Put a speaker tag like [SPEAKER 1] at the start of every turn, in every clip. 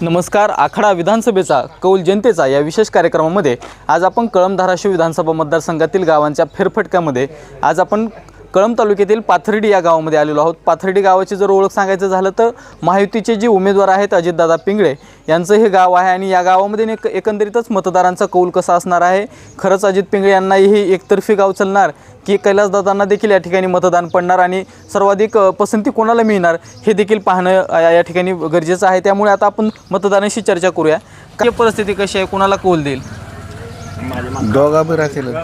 [SPEAKER 1] नमस्कार. आखाडा विधानसभेचा कौल जनतेचा या विशेष कार्यक्रमामध्ये आज आपण कळंब धाराशिव विधानसभा मतदारसंघातील गावांच्या फेरफटक्यामध्ये आज आपण कळंब तालुक्यातील पाथर्डी या गावामध्ये आलेलो आहोत. पाथर्डी गावाची जर ओळख सांगायचं झालं तर महायुतीचे जे उमेदवार आहेत अजितदादा पिंगळे यांचं हे गाव आहे आणि या गावामध्ये एकंदरीतच मतदारांचा कौल कसा असणार आहे. खरंच अजित पिंगळे यांनाही ही एकतर्फी गाव चालणार की कैलासदादांना देखील या ठिकाणी मतदान पडणार आणि सर्वाधिक पसंती कोणाला मिळणार हे देखील पाहणं या ठिकाणी गरजेचं आहे. त्यामुळे आता आपण मतदारांशी चर्चा करूया. काय परिस्थिती कशी आहे, कोणाला कौल देईल?
[SPEAKER 2] दोघं बी राहतील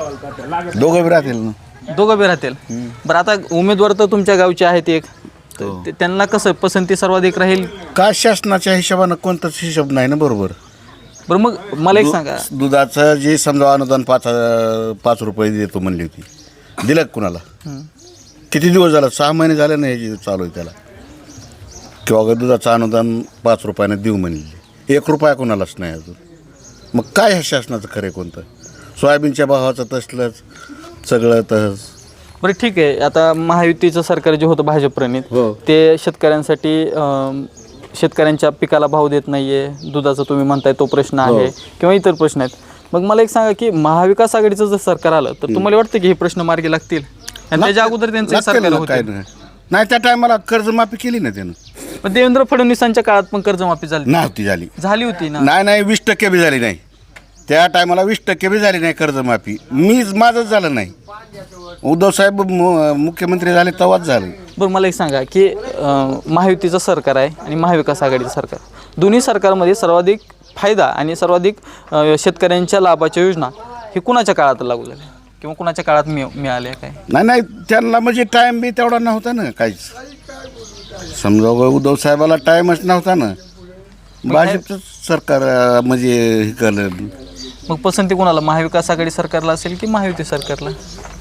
[SPEAKER 2] ना.
[SPEAKER 1] दोघं बी राहतील. बरं, आता उमेदवार तर तुमच्या गावचे आहेत एक, त्यांना कसं पसंती सर्वाधिक राहील?
[SPEAKER 2] का शासनाच्या हिशोबानं कोणताच हिशोब नाही ना. बरोबर.
[SPEAKER 1] बरं, मग मला एक सांगा,
[SPEAKER 2] दुधाचं जे समजा अनुदान 5 रुपये देतो म्हणली होती, दिलं का कुणाला? किती दिवस झाला? 6 महिने झाले ना हे चालू आहे त्याला. किंवा दुधाचं अनुदान 5 रुपयाने देऊ म्हणले, 1 रुपया कोणालाच नाही अजून. मग काय ह्या शासनाचं खरं कोणतं? सोयाबीनच्या भावाचं तसलंच सगळं तसंच.
[SPEAKER 1] बरं ठीक आहे. आता महायुतीचं सरकार जे होतं भाजप प्रणित, ते शेतकऱ्यांसाठी शेतकऱ्यांच्या पिकाला भाव देत नाहीये, दुधाचं तुम्ही म्हणताय तो प्रश्न आहे किंवा इतर प्रश्न आहेत. मग मला एक सांगा की महाविकास आघाडीचं जर सरकार आलं तर तुम्हाला वाटतं की हे प्रश्न मार्गी लागतील? आणि त्याच्या अगोदर त्यांचं सरकार होतं
[SPEAKER 2] नाही, त्या टायमाला कर्जमाफी केली ना त्यानं.
[SPEAKER 1] पण देवेंद्र फडणवीसांच्या काळात पण कर्जमाफी झाली
[SPEAKER 2] नव्हती? झाली
[SPEAKER 1] होती ना.
[SPEAKER 2] नाही 20% बी झाली नाही. त्या टायमाला 20% बी झाली नाही कर्जमाफी. माझंच झालं नाही. उद्धव साहेब मुख्यमंत्री झाले तेव्हाच झाले.
[SPEAKER 1] बरं, मला एक सांगा की महायुतीचं सरकार आहे आणि महाविकास आघाडीचं सरकार, दोन्ही सरकारमध्ये सर्वाधिक फायदा आणि सर्वाधिक शेतकऱ्यांच्या लाभाच्या योजना हे कुणाच्या काळात लागू झाल्या किंवा कुणाच्या काळात मिळाल्या? काय
[SPEAKER 2] नाही त्यांना म्हणजे टाईम बी तेवढा नव्हता ना काहीच. समजा उद्धव साहेबाला टाईमच नव्हता ना. भाजपचं सरकार म्हणजे हे केलं.
[SPEAKER 1] मग पसंती कोणाला, महाविकास आघाडी सरकारला असेल की महायुती सरकारला?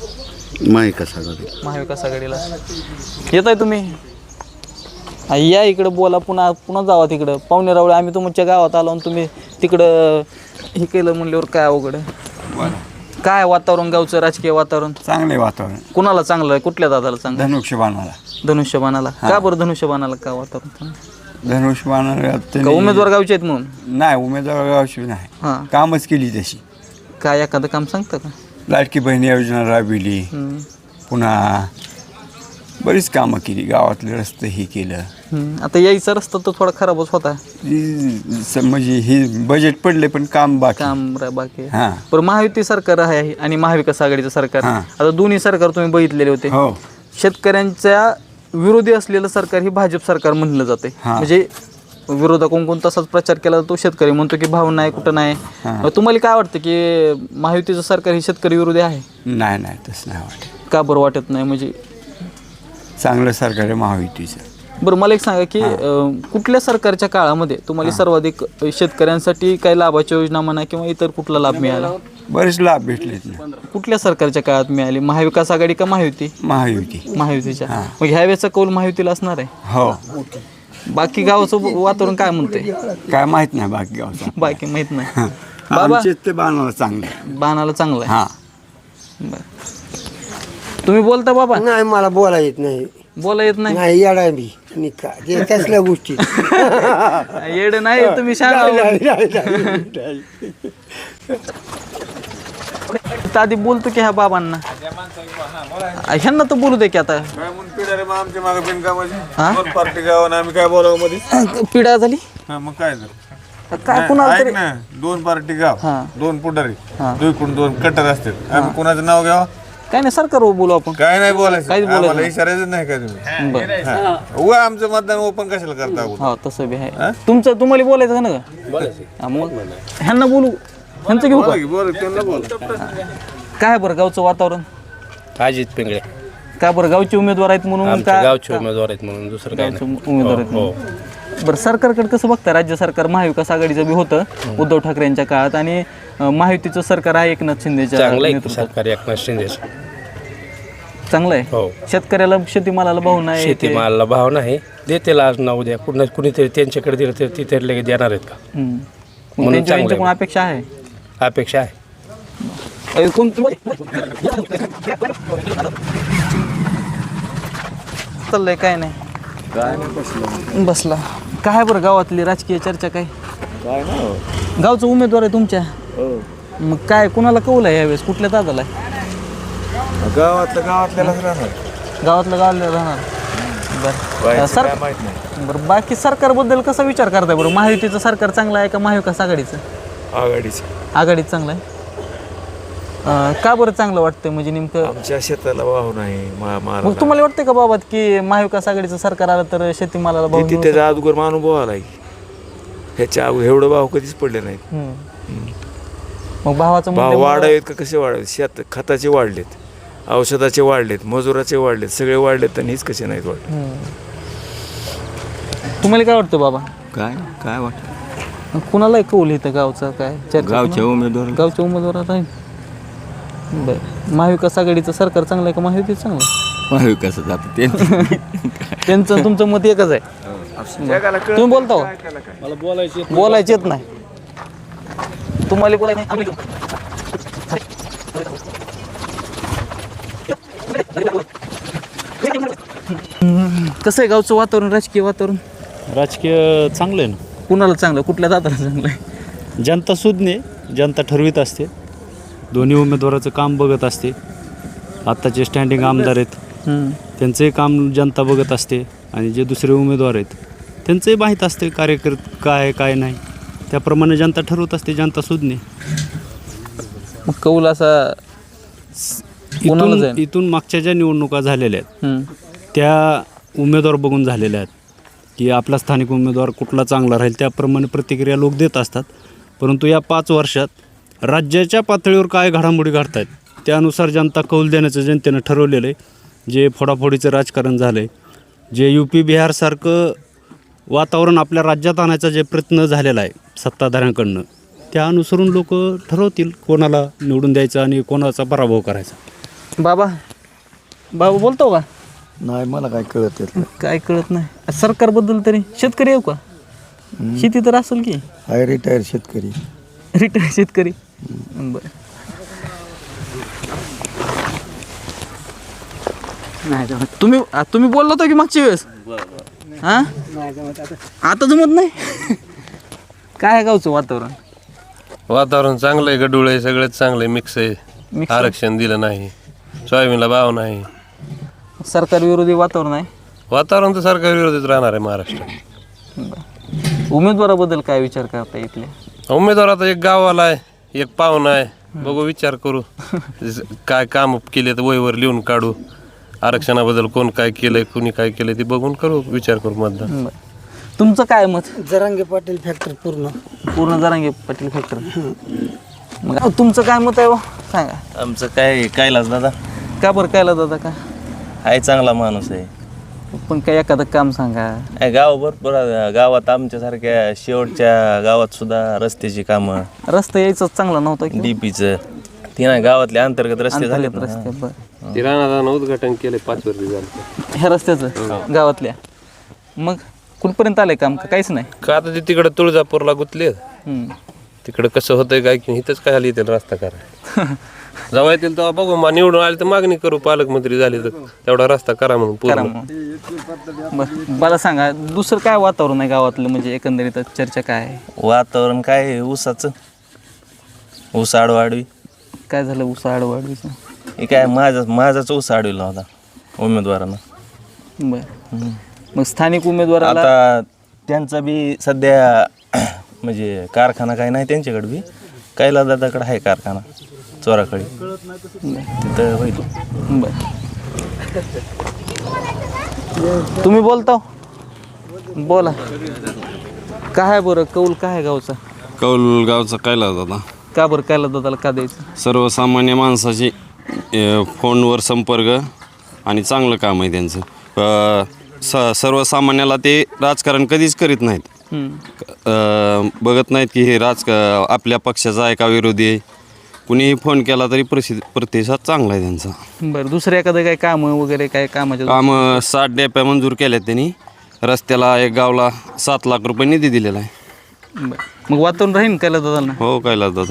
[SPEAKER 1] महाविकास आघाडीला. येत आहे तुम्ही? या इकडं बोला, पुन्हा जावा तिकडं. पाहुणे रावळे, आम्ही तुमच्या गावात आलो आणि तुम्ही तिकडं हे केलं म्हणल्यावर काय अवघड? काय वातावरण गावचं, राजकीय वातावरण?
[SPEAKER 3] चांगले वातावरण.
[SPEAKER 1] कुणाला चांगलं आहे? कुठल्या दादाला चांगलं?
[SPEAKER 3] धनुष्यबाणाला.
[SPEAKER 1] का बरं धनुष्यबाणाला का वातावरण?
[SPEAKER 3] धनुष्यबाणाला
[SPEAKER 1] उमेदवार गावचे आहेत म्हणून?
[SPEAKER 3] नाही, उमेदवार गावची नाही, कामच केली तशी.
[SPEAKER 1] काय एखादं काम सांगता का?
[SPEAKER 3] लाडकी बहीण योजना राबविली, पुन्हा बरीच कामं केली, गावातले रस्ते हे केलं.
[SPEAKER 1] आता यायचा रस्ता तर थोडा खराबच होता.
[SPEAKER 3] म्हणजे हे बजेट पडले पण काम बाकी.
[SPEAKER 1] पण महायुती सरकार आहे आणि महाविकास आघाडीचं सरकार, आता दोन्ही सरकार तुम्ही बघितलेले होते. शेतकऱ्यांच्या विरोधी असलेलं सरकार ही भाजप सरकार म्हणलं जाते. म्हणजे विरोधकांकडून तसाच प्रचार केला जातो. शेतकरी म्हणतो की भाव नाही, कुठं नाही. तुम्हाला काय वाटतं की महायुतीचं सरकार ही शेतकरी विरोधी आहे?
[SPEAKER 3] नाही तसं नाही वाटत.
[SPEAKER 1] का बरं वाटत नाही? म्हणजे
[SPEAKER 3] चांगलं सरकार आहे महायुतीचं.
[SPEAKER 1] बरं, मला एक सांगा की कुठल्या सरकारच्या काळामध्ये तुम्हाला सर्वाधिक शेतकऱ्यांसाठी काही लाभाच्या योजना म्हणा किंवा इतर कुठला लाभ मिळाला?
[SPEAKER 3] बरेच लाभ भेटलेत ना.
[SPEAKER 1] कुठल्या सरकारच्या काळात मिळाली? महाविकास आघाडी का महायुती? महायुतीच्या. मग ह्या वेळेचा कौल महायुतीला असणार आहे?
[SPEAKER 3] हो.
[SPEAKER 1] बाकी गावाचं वातावरण काय म्हणते?
[SPEAKER 3] काय माहित नाही बाकी गावचं.
[SPEAKER 1] बाकी माहित नाही. बाबा
[SPEAKER 3] ते बाणाला चांगलं
[SPEAKER 1] आहे. बरं, तुम्ही बोलता बाबा?
[SPEAKER 4] नाही, मला बोला येत नाही.
[SPEAKER 1] बोला येत नाही?
[SPEAKER 4] नाही, येडा मी कसल्या गोष्टी.
[SPEAKER 1] येड नाही तुम्ही सांगा. आधी बोलतो की ह्या बाबांना, ह्यांना तर बोलू दे की. आता पिढा झाली
[SPEAKER 5] मग काय
[SPEAKER 1] काय कुणाला तरी
[SPEAKER 5] 2 पार्टी गाव, 2 पुढारी, 2 कट्टर असतात. आम्ही कुणाचं नाव घ्यावं?
[SPEAKER 1] काय नाही, सरकार बोलू आपण.
[SPEAKER 5] काय नाही बोलायचं,
[SPEAKER 1] काहीच बोलायचं
[SPEAKER 5] आम्हाला इशारायचं नाही का तुम्ही? उगा आमचं मतदान ओपन कशाला करता?
[SPEAKER 1] हो, तसं बी आहे. तुम्हाला बोलायचं का ना? मग ह्यांना बोलू, ह्यांचं घेऊ का? काय बरं गावचं वातावरण?
[SPEAKER 6] अजित पिंगळे.
[SPEAKER 1] का बरं? गावचे उमेदवार आहेत म्हणून का?
[SPEAKER 6] गावचे उमेदवार आहेत म्हणून, दुसरं काय नाही.
[SPEAKER 1] उमेदवार आहेत म्हणून. बरं, सरकारकडे कसं बघता? राज्य सरकार महाविकास आघाडीचं बी होतं उद्धव ठाकरे यांच्या काळात आणि महायुतीचं सरकार आहे एकनाथ शिंदेच्या
[SPEAKER 6] सरकार. एकनाथ शिंदेचं
[SPEAKER 1] चांगलं आहे. शेतकऱ्याला शेतीमालाला भाव नाही,
[SPEAKER 6] शेतीमालाला भाव नाही, देतील आज ना उद्या. कुणीतरी त्यांच्याकडे दिलं तर तिथे लगेच देणार आहेत का?
[SPEAKER 1] म्हणून त्यांच्याकडून अपेक्षा आहे.
[SPEAKER 6] अपेक्षा आहे.
[SPEAKER 1] चाललंय काय नाही बसला. काय आहे बरं गावातली राजकीय चर्चा काय गावचा उमेदवार आहे तुमच्या मग काय कुणाला कौल आहे यावेळेस कुठल्या दादाला आहे?
[SPEAKER 5] गावातल्यालाच राहणार
[SPEAKER 1] गावातलं गावाला राहणार बरं बरं बाकी सरकारबद्दल कसा विचार करताय बरं महायुतीचं सरकार चांगलं आहे का महाविकास आघाडीचं आघाडीचं चांगलं आहे का बरं चांगलं वाटतंय म्हणजे नेमकं
[SPEAKER 5] आमच्या शेताला वाहू नाही
[SPEAKER 1] मग तुम्हाला वाटतंय का बाबा की महाविकास आघाडीचं सरकार आलं तर शेतीमालाला भाव मिळू
[SPEAKER 5] त्याचा अगोदर अनुभव आलाय ह्याच्या एवढं भाव कधीच पडले नाहीत
[SPEAKER 1] शकतो? मग भावाचं
[SPEAKER 5] भाव
[SPEAKER 1] मूल्य
[SPEAKER 5] वाढावेत का कसे वाढावेत शेत खताचे वाढलेत औषधाचे वाढलेत मजुराचे वाढलेत सगळे वाढलेत आणि हीच कसे नाहीत वाढले
[SPEAKER 1] तुम्हाला काय वाटतं बाबा
[SPEAKER 3] काय वाटतं
[SPEAKER 1] कुणाला कौल इथं गावचा काय चर्चा
[SPEAKER 3] गावच्या उमेदवार
[SPEAKER 1] गावच्या उमेदवार राहील बरं महाविकास आघाडीचं सरकार चांगलं आहे का महायुतीचं चांगलं आहे?
[SPEAKER 3] महाविकास जातं ते
[SPEAKER 1] त्यांचं आणि तुमचं मत एकच आहे तुम्ही बोलता हो?
[SPEAKER 6] मला बोलायचे
[SPEAKER 1] बोलायचं येत नाही तुम्हाला बोलायचं नाही कसं आहे गावचं वातावरण राजकीय वातावरण
[SPEAKER 7] राजकीय चांगलं आहे ना
[SPEAKER 1] कुणाला चांगलं कुठल्या दाताला चांगलं आहे?
[SPEAKER 7] जनता सुज्ञ जनता ठरवीत असते दोन्ही उमेदवाराचं काम बघत असते आत्ताचे स्टँडिंग आमदार आहेत त्यांचंही काम जनता बघत असते आणि जे दुसरे उमेदवार आहेत त्यांचंही माहीत असते काय नाही त्याप्रमाणे जनता ठरवत असते जनता सुज्ञ
[SPEAKER 1] मग कौल असा कोणाला जाईल?
[SPEAKER 7] इथून मागच्या ज्या निवडणुका झालेल्या आहेत
[SPEAKER 1] हम्म.
[SPEAKER 7] त्या उमेदवार बघून झालेल्या आहेत की आपला स्थानिक उमेदवार कुठला चांगला राहील त्याप्रमाणे प्रतिक्रिया लोक देत असतात परंतु या 5 वर्षात राज्याच्या पातळीवर काय घडामोडी घडत आहेत त्यानुसार जनता कौल देण्याचं जनतेनं ठरवलेलं आहे जे फोडाफोडीचं राजकारण झालं आहे जे UP बिहारसारखं वातावरण आपल्या राज्यात आणायचा जे प्रयत्न झालेला आहे सत्ताधाऱ्यांकडनं त्या अनुसरून लोक ठरवतील कोणाला निवडून द्यायचं आणि कोणाचा पराभव करायचा
[SPEAKER 1] बाबा बोलतो का
[SPEAKER 4] नाही मला काय कळत येत
[SPEAKER 1] काय कळत नाही सरकारबद्दल तरी शेतकरी येऊ का शेती तर असेल की
[SPEAKER 4] हाय रिटायर शेतकरी
[SPEAKER 1] रिटायर शेतकरी बरं तुम्ही बोलला होता की मागच्या वेळेस हा आता जमत नाही काय आहे गावचं वातावरण
[SPEAKER 8] वातावरण चांगलं आहे गडूळ आहे सगळंच चांगलं आहे मिक्स आहे आरक्षण दिलं नाही सोयाबीनला भाव नाही
[SPEAKER 1] सरकार विरोधी वातावरण आहे
[SPEAKER 8] वातावरण तर सरकार विरोधीच राहणार आहे महाराष्ट्रात
[SPEAKER 1] उमेदवाराबद्दल काय विचार करता इथले
[SPEAKER 8] उमेदवार आता एक गावाला आहे एक पाहुणा आहे बघू विचार करू काय काम केले तर वहीवर लिहून काढू आरक्षणाबद्दल कोण काय केलंय कुणी काय केलंय ते बघून करू विचार करू मतदान
[SPEAKER 1] तुमचं काय मत
[SPEAKER 4] जरांगे पाटील फॅक्टर पूर्ण
[SPEAKER 1] जरांगे पाटील फॅक्टर मग तुमचं काय मत आहे हो? सांगा
[SPEAKER 9] आमचं काय कैलास दादा
[SPEAKER 1] का बरं कायला दादा का
[SPEAKER 9] आहे चांगला माणूस आहे
[SPEAKER 1] पण काय एखादं काम सांगा
[SPEAKER 9] आहे गाव भरपूर गावात आमच्यासारख्या शेवटच्या गावात सुद्धा रस्त्याची कामं
[SPEAKER 1] रस्ता यायचं चांगला नव्हता की
[SPEAKER 9] डीपीचं ते नाही गावातले अंतर्गत रस्ते झाले
[SPEAKER 1] रस्ते बरं
[SPEAKER 8] ते राणादानं उद्घाटन केलंय 5 वर्ष झालं
[SPEAKER 1] ह्या रस्त्याचं गावातल्या मग कुठपर्यंत आलंय काम का काहीच नाही
[SPEAKER 8] का आता ते तिकडं तुळजापूरला गुतले
[SPEAKER 1] हम्म.
[SPEAKER 8] तिकडं कसं होतंय काय की इथंच काय येतील रस्ता करा जेव्हा येतील तेव्हा बघू मग निवडून आले तर मागणी करू पालकमंत्री झाले तर तेवढा रस्ता करा म्हणून
[SPEAKER 1] करा
[SPEAKER 8] पूर्ण
[SPEAKER 1] मग बरं मला सांगा दुसरं काय वातावरण आहे गावातलं म्हणजे एकंदरीत चर्चा काय आहे
[SPEAKER 9] वातावरण काय आहे ऊसाचं ऊस आडवाडवी
[SPEAKER 1] काय झालं उसा आडवाडीचं
[SPEAKER 9] हे काय माझाच ऊस आडविला होता उमेदवारानं
[SPEAKER 1] बरं मग स्थानिक उमेदवाराला
[SPEAKER 9] आता त्यांचा बी सध्या म्हणजे कारखाना काय नाही त्यांच्याकडे बी कैलास दादाकडे आहे कारखाना चोराकडे तिथं होईल
[SPEAKER 1] बरं तुम्ही बोलता बोला काय आहे बरं कौल काय आहे गावचा
[SPEAKER 10] कौल गावचा कैलास दादा
[SPEAKER 1] का बरं कायला दादाला का द्यायचं
[SPEAKER 10] सर्वसामान्य माणसाची फोनवर संपर्क आणि चांगलं काम आहे त्यांचं सर्वसामान्याला ते राजकारण कधीच करीत नाहीत बघत नाहीत की हे आपल्या पक्षाचा आहे का विरोधी आहे कुणीही फोन केला तरी प्रतिसाद चांगला आहे त्यांचा
[SPEAKER 1] बरं दुसरं एखादं काय कामं वगैरे काय कामाच्या
[SPEAKER 10] कामं 60 डेप्या मंजूर केल्यात त्यांनी रस्त्याला एक गावला 7 लाख रुपये निधी दिलेला आहे
[SPEAKER 1] बरं मग वातावरण राहील कायला दादाला
[SPEAKER 10] हो कैलास दादा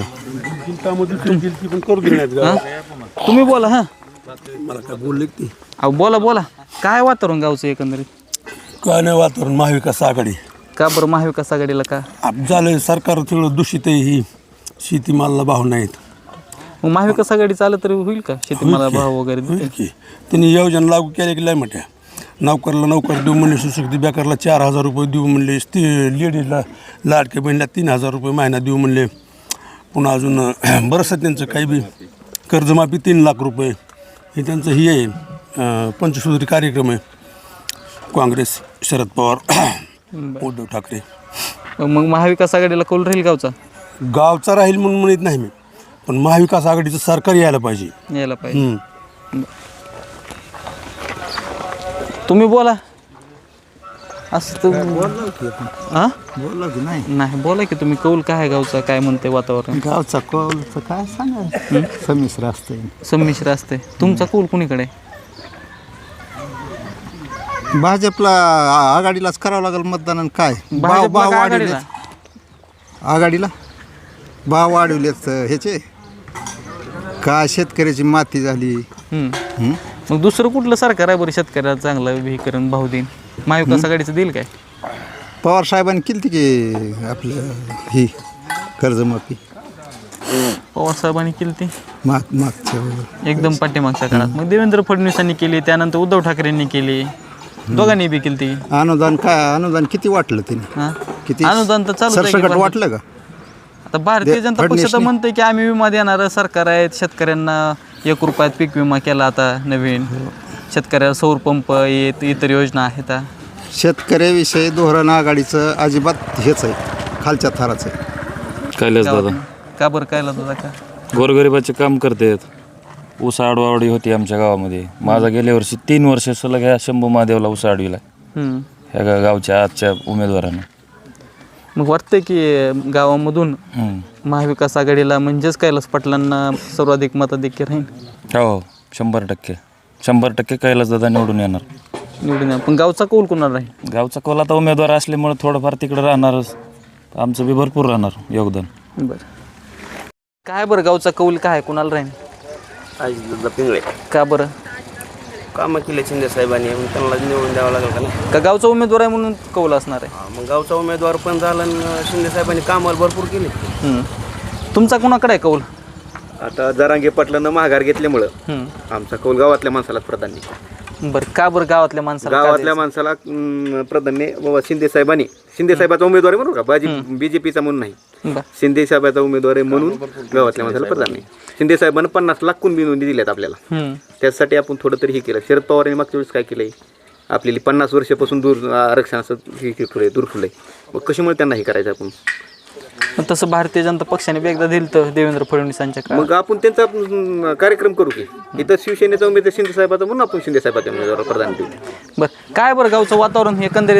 [SPEAKER 1] तुम्ही बोला हां
[SPEAKER 4] मला काय बोलले की
[SPEAKER 1] अहो बोला काय वातावरण गावचं एकंदरीत
[SPEAKER 11] काय नाही वातावरण महाविकास आघाडी
[SPEAKER 1] का बरं महाविकास आघाडीला का?
[SPEAKER 4] झालं सरकार सगळं दूषित आहे, ही शेतीमालाला भाव नाहीत.
[SPEAKER 1] मग महाविकास आघाडी चालत तरी होईल का शेतीमाला भाव वगैरे देते?
[SPEAKER 4] होईल की त्यांनी योजना लागू केल्या की लय मोठ्या. नोकरला नोकर देऊ म्हणले, सुशिक्षित बेकारला 4,000 रुपये देऊ म्हणले, लेडीजला लाडके बहिणीला 3,000 रुपये महिना देऊ म्हणले. पुन्हा अजून बरंचसं त्यांचं काही बी कर्जमाफी 3 लाख रुपये हे त्यांचं ही आहे. पंचसूत्री कार्यक्रम आहे काँग्रेस, शरद पवार, उद्धव ठाकरे.
[SPEAKER 1] मग महाविकास आघाडीला कौल राहील गावचा?
[SPEAKER 4] गावचा राहील म्हणून म्हणत नाही मी, पण महाविकास आघाडीचं सरकार यायला पाहिजे.
[SPEAKER 1] यायला पाहिजे. तुम्ही बोला असं हां
[SPEAKER 4] बोला की नाही
[SPEAKER 1] नाही बोला की तुम्ही कौल काय आहे गावचा, काय म्हणते वातावरण?
[SPEAKER 4] गावचा कौलचं काय सांगा, संमिश्र असते.
[SPEAKER 1] संमिश्र असते. तुमचा कौल कुणीकडे?
[SPEAKER 11] भाजपला आघाडीलाच करावं लागेल मतदान. आणि काय
[SPEAKER 1] भाजपला का आघाडीला?
[SPEAKER 11] आघाडीला भाव वाढवलेत ह्याचे, काय शेतकऱ्याची माती झाली.
[SPEAKER 1] मग दुसरं कुठलं सरकार आहे बरं शेतकऱ्याला चांगलं विहीकरण भाव देईन? महाविकास आघाडीचं देईल काय?
[SPEAKER 11] पवार साहेबांनी केली की आपलं ही कर्जमाफी,
[SPEAKER 1] पवार साहेबांनी केली ती
[SPEAKER 11] मागच्या
[SPEAKER 1] एकदम पाठीमागच्या काळात. मग देवेंद्र फडणवीसांनी केली, त्यानंतर उद्धव ठाकरेंनी केली, दोघांनी बी केली ती.
[SPEAKER 11] अनुदान किती वाटलं तिने? किती
[SPEAKER 1] अनुदान तर चालू
[SPEAKER 11] सरसकट वाटलं का?
[SPEAKER 1] आता भारतीय जनता पक्ष तर म्हणते की आम्ही विमा देणारं सरकार आहे, शेतकऱ्यांना 1 रुपयात पीक विमा केला आता नवीन, शेतकऱ्याला सौर पंप येत, इतर योजना आहेत.
[SPEAKER 11] शेतकऱ्याविषयी धोरण आघाडीचं अजिबात हेच आहे, खालच्या थराचं आहे.
[SPEAKER 10] कैलास दादा
[SPEAKER 1] का बरं काय दादा का?
[SPEAKER 10] गोरगरिबाचे काम करतात. ऊस आडवाडी होती आमच्या गावामध्ये. माझा गेल्या वर्षी 3 वर्ष सलग ह्या शंभू महादेवला ऊस आडविला ह्या गावच्या आजच्या उमेदवारानं.
[SPEAKER 1] मग वाटतंय की गावामधून महाविकास आघाडीला म्हणजेच कैलास पाटलांना सर्वाधिक मताधिक्य राहील?
[SPEAKER 10] हो 100% कैलास दादा निवडून येणार.
[SPEAKER 1] निवडून या. पण गावचा कौल कोणाला राहील?
[SPEAKER 10] गावचा कौल आता उमेदवार असल्यामुळे थोडंफार तिकडे राहणारच, आमचं बी भरपूर राहणार योगदान.
[SPEAKER 1] बरं काय बरं गावचा कौल काय कोणाला राहील?
[SPEAKER 9] अजितदादा पिंगळे
[SPEAKER 1] का बरं?
[SPEAKER 9] कामं केले शिंदे साहेबांनी, मग त्यांना निवडून द्यावं लागेल का नाही?
[SPEAKER 1] का गावचा उमेदवार आहे म्हणून कौल असणार आहे?
[SPEAKER 9] मग गावचा उमेदवार पण झाला आणि शिंदे साहेबांनी कामाला भरपूर केले.
[SPEAKER 1] तुमचा कोणाकडे आहे कौल?
[SPEAKER 12] आता जरांगे पाटलांना माघार घेतल्यामुळं आमचा कौल गावातल्या माणसाला प्राधान्य.
[SPEAKER 1] बरं का बरं गावातल्या माणसाला?
[SPEAKER 12] गावातल्या माणसाला प्राधान्य. बाबा शिंदे साहेबाचा उमेदवार आहे म्हणून का, बीजेपीचा म्हणून नाही, शिंदे साहेबाचा उमेदवार आहे म्हणून गावातल्या माणसाला प्राधान्य. शिंदे साहेबांना 50 लाख कुणबी नोंदी दिल्यात आपल्याला, त्यासाठी आपण थोडं तरी हे केलं. शरद पवारांनी मागच्या वेळेस काय केलंय, आपल्याला 50 वर्षापासून दूर आरक्षणाचं हे ठेवलंय, दूर ठेवलंय. मग कशामुळे त्यांना हे करायचं आपण?
[SPEAKER 1] तसं भारतीय जनता पक्षाने बी एकदा दिलं तर देवेंद्र फडणवीसांच्या काळात.
[SPEAKER 12] मग आपण त्यांचा कार्यक्रम करू की इथं शिवसेनेचा उमेदवार शिंदे साहेबाचा म्हणून आपण शिंदे साहेबाच्या उमेदवार प्रदान देऊ.
[SPEAKER 1] बरं काय बरं गावचं वातावरण एकंदरीत?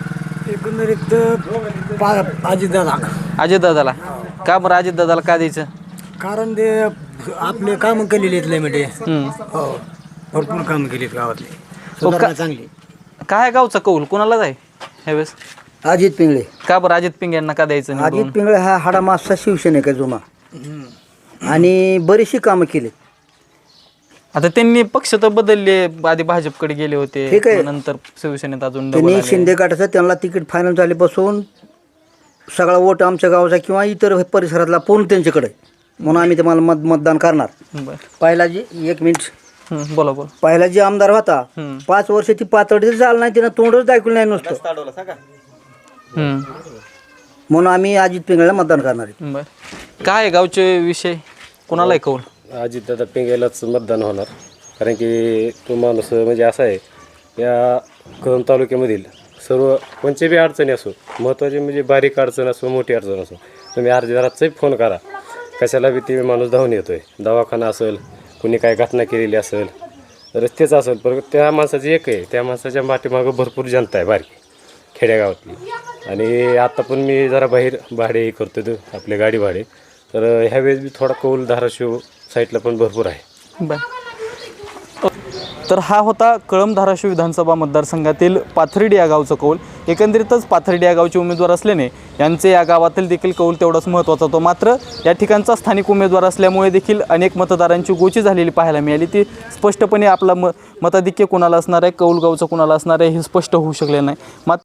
[SPEAKER 1] अजितदादाला का बरं? अजितदादाला का द्यायचं?
[SPEAKER 4] कारण ते आपले कामं केलेली आहेत म्हणजे भरपूर कामं केलीत गावातली, सुधारणा चांगली.
[SPEAKER 1] काय गावचा कौल कोणाला जाय ह्यावेळेस?
[SPEAKER 4] अजित पिंगळे.
[SPEAKER 1] का बरं अजित पिंगे यांना का द्यायचं निवडून?
[SPEAKER 4] अजित पिंगळे हा हाडामागचा शिवसेनेचा जुना आणि बरीचशी कामं केली.
[SPEAKER 1] आता त्यांनी पक्ष तर बदलले, आधी भाजपकडे गेले होते,
[SPEAKER 4] ठीक आहे.
[SPEAKER 1] नंतर शिवसेनेत अजून
[SPEAKER 4] त्यांनी शिंदे गटाचं त्यांना तिकीट फायनल झाल्यापासून सगळा वोट आमच्या गावाचा किंवा इतर परिसरातला पूर्ण त्यांच्याकडे, म्हणून आम्ही तुम्हाला मतदान करणार. पहिला जी 1 मिनिट
[SPEAKER 1] बोला.
[SPEAKER 4] पहिला जी आमदार होता 5 वर्ष ती पातळी झालं नाही, तिनं तोंडच दाखवलं नाही नुसतं, म्हणून आम्ही अजित पिंगळेला मतदान करणार आहे.
[SPEAKER 1] बरं काय गावचे विषय कोणाला आहे कौल?
[SPEAKER 8] अजितदादा पिंगळेलाच मतदान होणार, कारण की तो माणूस म्हणजे असा आहे, या कळंब तालुक्यामधील सर्व कोणत्याही अडचणी असो, महत्त्वाची म्हणजे बारीक अडचण असो, मोठी अडचण असो, तुम्ही अर्ध्या रातचाही फोन करा, कशाला बी ते माणूस धावून येतो आहे. दवाखाना असेल, कुणी काय घटना केलेली असेल, रस्तेच असेल, पण त्या माणसाचं एक आहे, त्या माणसाच्या पाठीमागं भरपूर जनता आहे बारकी खेड्यागावातली. आणि आता पण मी जरा बाहेर भाडे करतो तो आपले गाडी भाडे, तर ह्यावेळेस बी थोडा कौल धाराशिव साईडला पण भरपूर आहे.
[SPEAKER 1] बरं तर हा होता कळंब धाराशिव विधानसभा मतदारसंघातील पाथर्डी या गावचा कौल. एकंदरीतच पाथर्डी या गावचे उमेदवार असल्याने यांचे या गावातील देखील कौल तेवढाच महत्त्वाचा होतो. मात्र या ठिकाणचा स्थानिक उमेदवार असल्यामुळे देखील अनेक मतदारांची गोची झालेली पाहायला मिळाली. ती स्पष्टपणे आपला मताधिक्य कोणाला असणार आहे, कौल गावचं कोणाला असणार आहे हे स्पष्ट होऊ शकले नाही. मात्र